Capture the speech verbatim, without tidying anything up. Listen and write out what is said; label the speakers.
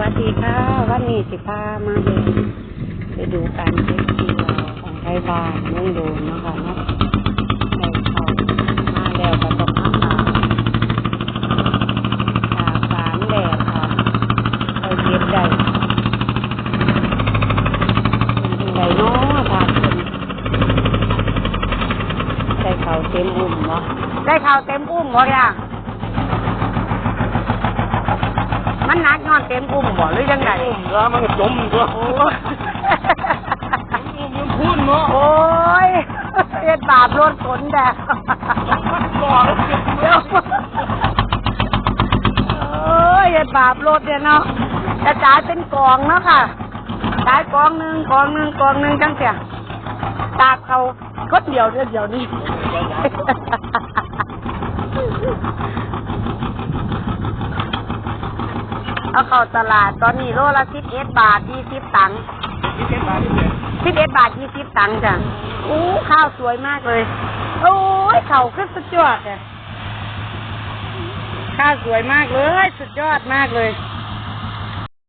Speaker 1: วัสดีค่ะวันนี้สิพามาเดินไปดูการเก็บเกี่ยวของไทยบ้านเมืองโดนนะคะเนาะในเขามาแล้วก็ต้องมาตากตากสารแดดค่ะไปเก็บได้เป็นไงเนาะทานเป็นได้เขาเต็มอุ้มเนาะได้เขาเต็มอุ้มหมดอ่ะมันนักนอนเต็มอุ้มบ่หรือยังไง
Speaker 2: อุ้มแล้วมันก็จมตัวโอ้ยอุ้มมันพุ่นเนาะ
Speaker 1: โอ้ยเอ็ดบาปรถขนแดด
Speaker 2: ก่อน
Speaker 1: เดี๋ยวโอ้ยเอ็ดบาปรถเนี่ยเนาะกระจายเป็นกองเนาะค่ะกระจายกองหนึ่งกองหนึ่งกองหนึ่งจังเสียตากเขาก็เดียวเดียวเดียวนี่เอาเข้าตลาดตอนนี้โลละสิบเอ็ดบาทยี่สิบตังค์
Speaker 2: สิบเอ็ดบาท
Speaker 1: สิบเอ็ดบาทยี่สิบตังค์จ้ะอู้ข้าวสวยมากเลยโอ้ยเข่าขึ้นสุดยอดเลยข้าวสวยมากเลยสุดยอดมากเลย